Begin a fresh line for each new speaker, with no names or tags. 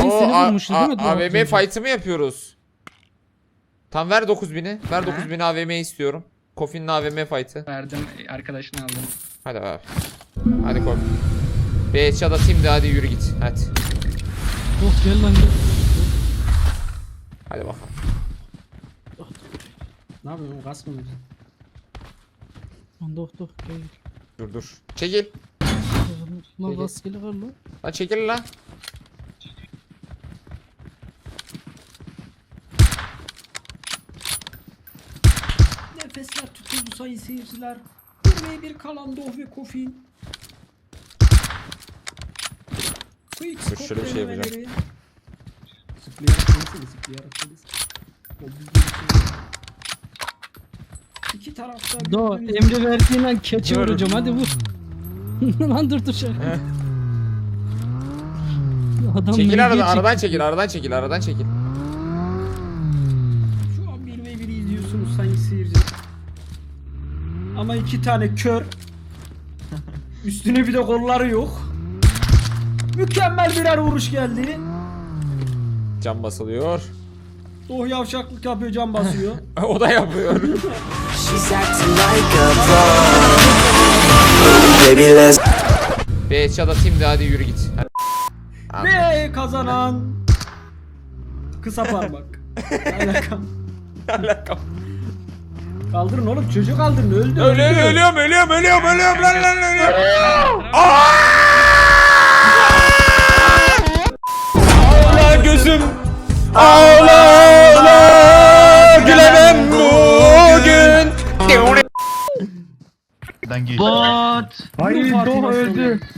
Oo,
seni vurmuştu değil mi?
AVM fight'ı mı yapıyoruz? Tam ver 9000'i. Ver 9000'i AVM'yi istiyorum. Kofi'nin AVM fight'ı.
Verdim, arkadaşını aldım.
Hadi abi. Hadi Kofi. Bir headshot atayım da hadi yürü git. Hadi.
Oh gel lan gel.
Hadi bakalım.
Ne yapıyorsun? Gaz mı veriyorsun?
Lan doh doh gel.
Dur. Çekil.
Lan rastgele var lan.
Lan çekil lan.
Nefesler tutuldu sayın seyirciler. 1v1 kalan Doh ve Kofi.
Dur, şöyle bir şey yapacağım.
Zıplayarak konuşsana, zıplayarak konuş. O bildiğin şey. İki tarafta
Do
birbirine-
emri verdiğin an keçi
Dur.
vuracağım hadi vur. Lan dur şaka. Adam
Çekil
mevzuya
aradan
çekti.
aradan çekil.
Şu an 1v1'i izliyorsunuz sayın seyirciler. Ama iki tane kör. Üstüne bir de kolları yok. Mükemmel birer vuruş geldi.
Cam basılıyor.
Doh yavşaklık yapıyor, cam basıyor.
O da yapıyor.
She's acting like a pro. Baby, let's
Bir headshot atayım da hadi yürü git. Hadi.
Ve kazanan kısa parmak. Alakam.
Alakam.
Kaldırın oğlum, çocuğu kaldırın, öldü.
Ölüyorum lan ölüyorum. Ağla gözüm. Ağla gülemem bugün.
Bot.
Hayır, Doh öldü.